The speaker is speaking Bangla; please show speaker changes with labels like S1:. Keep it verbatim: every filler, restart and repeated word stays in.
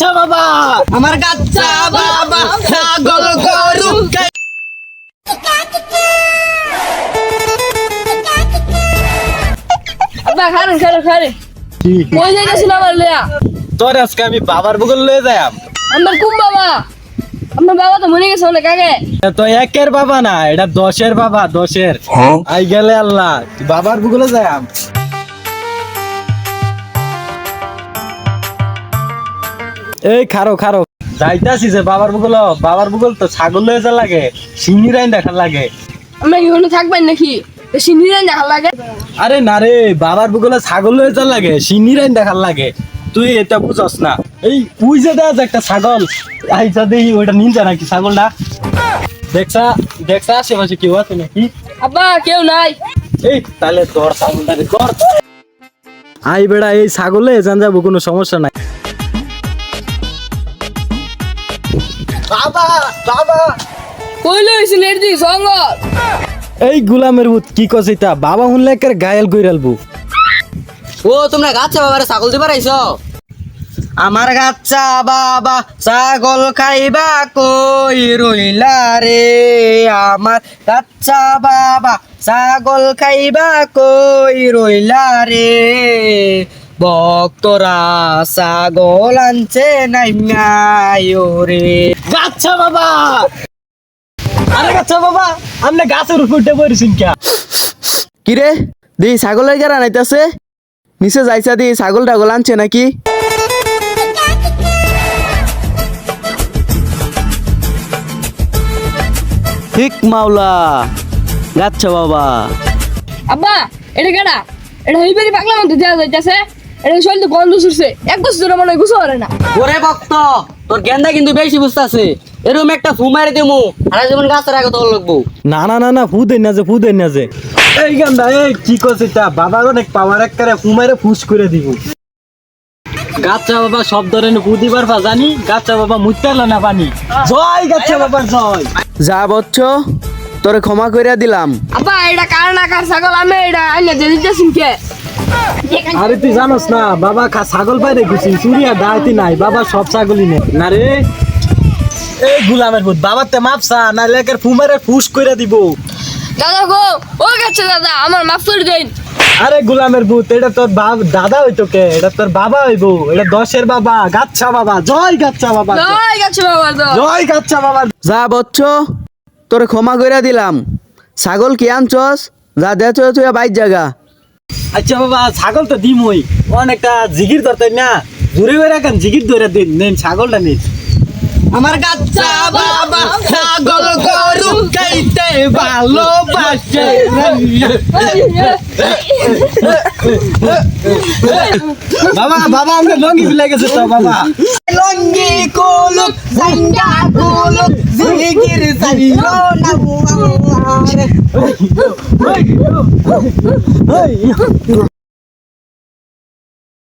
S1: গাচ্ছা বাবা, আমার গাচ্ছা বাবা ছাগল গরু
S2: আব্বা খারেন খারেন খারেন কই যাইতাছিল আমার লইয়া
S1: তোর আজকে আমি বাবার বুগল লয়ে যাইম।
S2: আমার কুম বাবা আপনার বাবা তো মরে গেছে অনেক আগে।
S1: তো একের বাবা না, এটা দশের বাবা, দশের আই গেলে আল্লাহ তুই বাবার বুগলে যাইম। এই খারো খারো যাইতাছি যে বাবার বুগল, বাবার বুগল তো ছাগল লয়ে যা লাগে, সিংহি রাইন দেখা লাগে।
S2: আমরা কি ওখানে থাকবেন নাকি সিনিরান দেখা লাগে?
S1: আরে না রে, বাবার বুগলে ছাগল লয়ে যা লাগে, সিংহি রাইন দেখার লাগে। তুই এটা বুঝস না। এই তুই যে দেখ একটা ছাগল আইসা দেখি ওইটা নিন যা নাকি ছাগলটা, দেখছা দেখছা আশেপাশে কেউ আছে নাকি?
S2: আব্বা কেউ নাই।
S1: এই তাহলে তোর ছাগলটা কর। আই বেড়া এই ছাগলে জান যাবো, কোনো সমস্যা নাই। বাবা বাবা
S2: কইলো হইছিল এর দিকে জঙ্গল।
S1: এই গুলামের ভূত কি কছিতা, বাবা হুনলে একের গায়াল কইরালবো।
S3: ও তোমরা গাচ্ছা বাবারে ছাগল দিবার আইছো?
S1: আমার গাচ্ছা বাবা ছাগল খাইবা কই রইলা রে, আমার গাচ্ছা বাবা ছাগল খাইবা কই রইলা রে, ভক্তরা ছাগল আনছে নাই রে। গাচ্ছা বাবা, আরে গাচ্ছা বাবা আপনি গাছের উপর উঠে পড়েছেন কে?
S3: কিরে দি ছাগলের গেরা নাইতাছে, নিচে যাইছা দি ছাগল টাগল আনছে নাকি? ঠিক মাওলা গাচ্ছা বাবা।
S2: আব্বা এটা কেডা? এটা হইবারি পাগলা মতো দেয়া যাইতাছে। এটা শরীর তো গন্ধ ছুটছে, এক বছর ধরে মনে হয় গুছো করে না।
S3: ওরে ভক্ত তোর গেন্দা কিন্তু বেশি বুঝতাছে, এরকম একটা ফু মারি দেমু সারা জীবন গাছের আগে তোর লাগবো।
S1: না না না না ফু দেন না যে, ফু দেন না যে। এই গান্দা এই কি করছিস তা, বাবার অনেক পাওয়ার একবারে ফু মারে ফুস করে দিব। গাচ্চা বাবা সব ধরনের ফু দিবার পা জানি, গাচ্চা বাবা মুইতালো না পানি। জয় গাচ্চা বাবার জয়।
S3: যা বচ্চ তোরে ক্ষমা কইরা দিলাম।
S2: আব্বা এটা কার না কার ছাগল, আমি এটা আইনা দিয়ে দিতেছি কে?
S1: আরে তুই জানোস না বাবা খা ছাগল বাইরে গেছি, চুরিয়া ডাইতি নাই, বাবা সব ছাগলই নে না রে। এই গুলামের ভূত বাবার তে মাপসা না লেকের ফু মারে ফুস করে দিব।
S2: দাদা গো ও গেছে দাদা, আমার মাফ করে দেন।
S1: আরে গুলামের ভূত এটা তোর বাপ দাদা হইতো কে, এটা তোর বাবা হইবো, এটা দশের বাবা গাচ্ছা বাবা। জয় গাচ্ছা বাবা,
S2: জয় গেছে বাবা
S1: জয় গাচ্ছা বাবা।
S3: যা বচ্চ তোরে ক্ষমা কইরা দিলাম। ছাগল কি আনছস? যা দেছ তুই বাইর জায়গা।
S1: আচ্ছা বাবা ছাগল তো দিমই, অনেকটা জিগির ধরতেন না, জুড়ে বেড়া কেন জিগির ধরে দিন, নেন ছাগলটা নিন। আমার গাচ্চা বাবা ছাগল গরু খাইতে ভালোবাসে। বাবা বাবা আমরা লঙ্গি ফেলে গেছে তো বাবা। লঙ্গি কোলুক সাইন্ডা কোলুক জিগির সাইলো না।